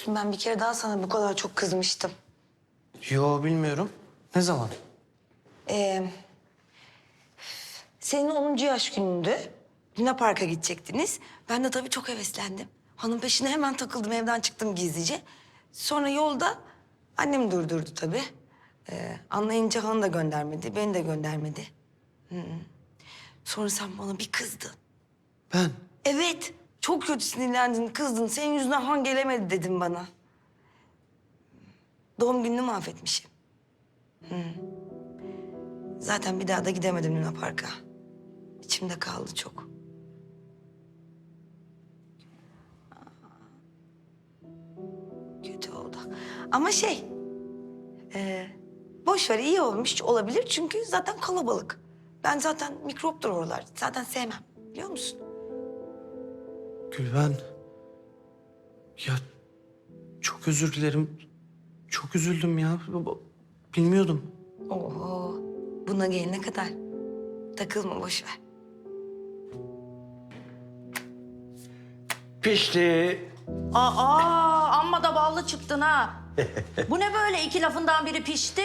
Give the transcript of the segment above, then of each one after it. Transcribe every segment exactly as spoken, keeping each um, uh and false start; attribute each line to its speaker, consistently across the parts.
Speaker 1: musun? Ben bir kere daha sana bu kadar çok kızmıştım.
Speaker 2: Yo, bilmiyorum. Ne zaman?
Speaker 1: Ee, senin onuncu yaş günündü. Luna Park'a gidecektiniz. Ben de tabii çok heveslendim. Hanım peşine hemen takıldım, evden çıktım gizlice. Sonra yolda annem durdurdu tabii. Ee, anlayınca hanı da göndermedi, beni de göndermedi. Hı -hı. Sonra sen bana bir kızdın.
Speaker 2: Ben?
Speaker 1: Evet, çok kötü sinirlendin, kızdın. Senin yüzünden Han gelemedi dedim bana. Doğum gününü mahvetmişim. Hı. Zaten bir daha da gidemedim Luna Park'a. İçimde kaldı çok. Kötü oldu. Ama şey... E, boş ver, iyi olmuş olabilir çünkü zaten kalabalık. Ben zaten mikroptur oralar. Zaten sevmem, biliyor musun?
Speaker 2: Gülben. Ya çok özür dilerim. Çok üzüldüm ya. Bilmiyordum.
Speaker 1: Oho, buna gelene kadar. Takılma, boş ver.
Speaker 3: Pişti.
Speaker 4: Aa, amma da ballı çıktın ha. Bu ne böyle iki lafından biri pişti?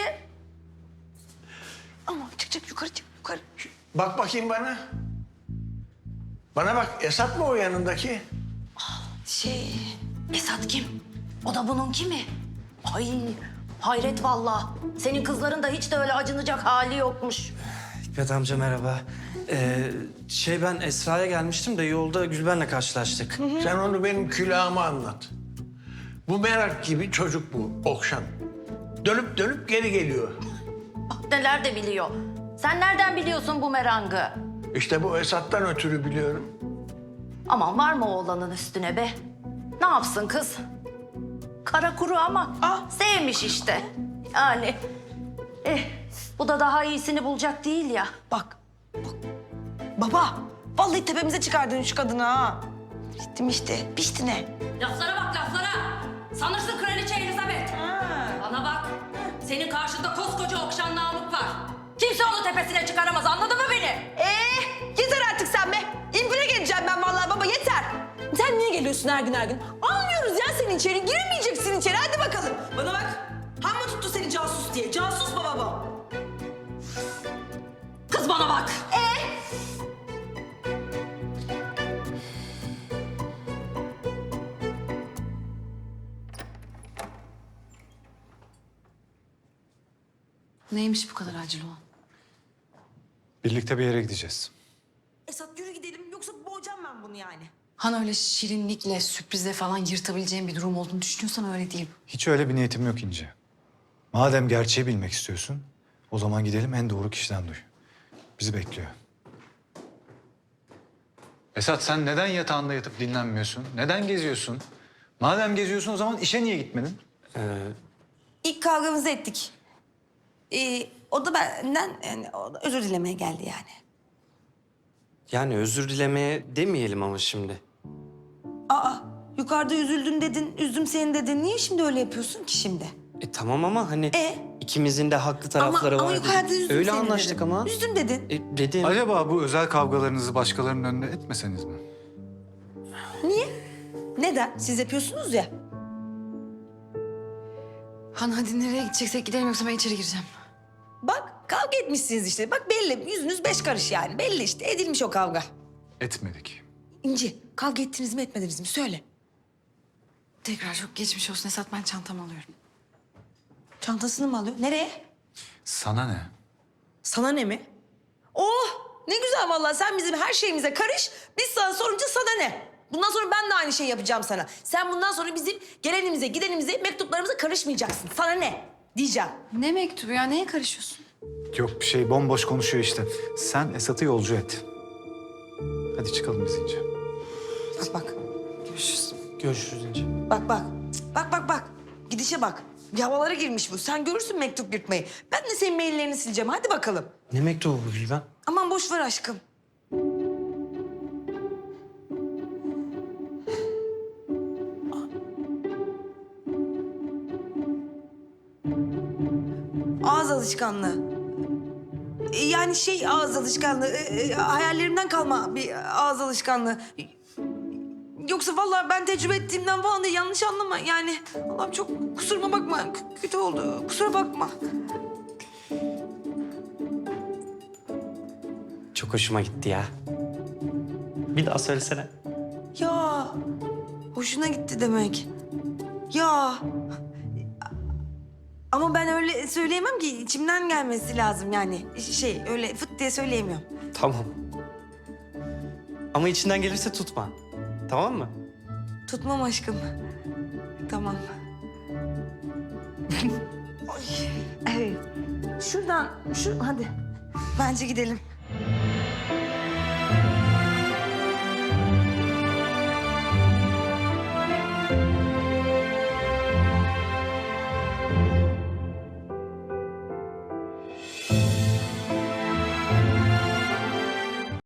Speaker 1: Ama çık çık yukarı çık yukarı.
Speaker 3: Bak bakayım bana. Bana bak, Esat mı o yanındaki?
Speaker 1: Şey...
Speaker 4: Esat kim? O da bunun kimi? Ay hayret vallahi. Senin kızların da hiç de öyle acınacak hali yokmuş.
Speaker 2: Hikmet amca merhaba. Ee, şey ben Esra'ya gelmiştim de yolda Gülben'le karşılaştık.
Speaker 3: Sen onu benim külahıma anlat. Bu merak gibi çocuk bu, Okşan. Dönüp dönüp geri geliyor.
Speaker 4: Bak neler de biliyor. Sen nereden biliyorsun bu merangı?
Speaker 3: İşte bu Esat'tan ötürü biliyorum.
Speaker 4: Aman var mı oğlanın üstüne be? Ne yapsın kız? Kara kuru ama ah, sevmiş işte. Yani eh, bu da daha iyisini bulacak değil ya.
Speaker 1: Bak, bak. Baba, vallahi tepemize çıkardın şu kadını ha. Gittim işte, pişti ne?
Speaker 4: Laflara bak laflara. Sanırsın kraliçe Elizabeth. Bana bak. Senin karşında koskoca Okşan Namık var. Kimse onu tepesine çıkaramaz, anladın mı beni?
Speaker 1: Ee, yeter artık sen be. İmpire geleceğim ben vallahi baba, yeter. Sen niye geliyorsun her gün her gün? Almıyoruz ya seni içeri, giremeyeceksin içeri. Hadi bakalım. Bana bak, han mı tuttu seni casus diye? Casus baba bu.
Speaker 4: Kız bana bak.
Speaker 1: Ee?
Speaker 5: Neymiş bu kadar acil olan?
Speaker 6: Birlikte bir yere gideceğiz.
Speaker 1: Esat yürü gidelim, yoksa boğacağım ben bunu yani.
Speaker 5: Han öyle şirinlikle, sürprizle falan yırtabileceğin bir durum olduğunu düşünüyorsan öyle değil.
Speaker 6: Hiç öyle bir niyetim yok İnce. Madem gerçeği bilmek istiyorsun, o zaman gidelim en doğru kişiden duy. Bizi bekliyor. Esat sen neden yatağında yatıp dinlenmiyorsun? Neden geziyorsun? Madem geziyorsun o zaman işe niye gitmedin?
Speaker 1: İlk kavgamızı ettik. Ee, o da benden yani, o da özür dilemeye geldi yani.
Speaker 2: Yani özür dilemeye demeyelim ama şimdi.
Speaker 1: Aa, yukarıda üzüldün dedin, üzdüm seni dedin. Niye şimdi öyle yapıyorsun ki şimdi?
Speaker 2: E tamam ama hani
Speaker 1: E?
Speaker 2: ikimizin de haklı
Speaker 1: Ama,
Speaker 2: tarafları
Speaker 1: ama
Speaker 2: var.
Speaker 1: yukarıda
Speaker 2: dedim.
Speaker 1: üzdüm
Speaker 2: Öyle
Speaker 1: seni
Speaker 2: anlaştık
Speaker 1: dedim.
Speaker 2: ama.
Speaker 1: Üzdüm dedin.
Speaker 2: E, dedim.
Speaker 6: Acaba bu özel kavgalarınızı başkalarının önünde etmeseniz mi?
Speaker 1: Niye? Neden? Siz yapıyorsunuz ya.
Speaker 5: Han hadi nereye gideceksek gidelim yoksa ben içeri gireceğim.
Speaker 1: Bak kavga etmişsiniz işte. Bak belli, yüzünüz beş karış yani. Belli işte, edilmiş o kavga.
Speaker 6: Etmedik.
Speaker 1: İnci, kavga ettiniz mi etmediniz mi? Söyle.
Speaker 5: Tekrar çok geçmiş olsun Esat, ben çantamı alıyorum.
Speaker 1: Çantasını mı alıyor? Nereye?
Speaker 6: Sana ne?
Speaker 1: Sana ne mi? Oh! Ne güzel vallahi, sen bizim her şeyimize karış. Biz sana sorunca sana ne? Bundan sonra ben de aynı şeyi yapacağım sana. Sen bundan sonra bizim gelenimize, gidenimize, mektuplarımıza karışmayacaksın. Sana ne? Diyeceğim.
Speaker 5: Ne mektubu ya, neye karışıyorsun?
Speaker 6: Yok bir şey, bomboş konuşuyor işte. Sen Esat'ı yolcu et. Hadi çıkalım biz İnce.
Speaker 1: Bak bak.
Speaker 5: Görüşürüz.
Speaker 2: Görüşürüz İnce.
Speaker 1: Bak bak. Cık, Bak bak bak. Gidişe bak. Bir havalara girmiş bu. Sen görürsün mektup yırtmayı. Ben de senin maillerini sileceğim. Hadi bakalım.
Speaker 2: Ne mektubu bu Gülben?
Speaker 1: Aman boş ver aşkım. Ağız alışkanlığı. E, Yani şey ağız alışkanlığı. e, e, Hayallerimden kalma bir ağız alışkanlığı. Yoksa vallahi ben tecrübe ettiğimden falan değil, yanlış anlama. Yani Allah'ım çok kusuruma bakma. K- kötü oldu. Kusura bakma.
Speaker 2: Çok hoşuma gitti ya. Bir daha söylesene.
Speaker 1: Ya hoşuna gitti demek. Ya ama ben öyle söyleyemem ki, içimden gelmesi lazım yani. Şey öyle fıt diye söyleyemiyorum.
Speaker 2: Tamam. Ama içinden gelirse tutma. Tamam mı?
Speaker 1: Tutmam aşkım. Tamam. Ay, evet. Şuradan, şu hadi. Bence gidelim.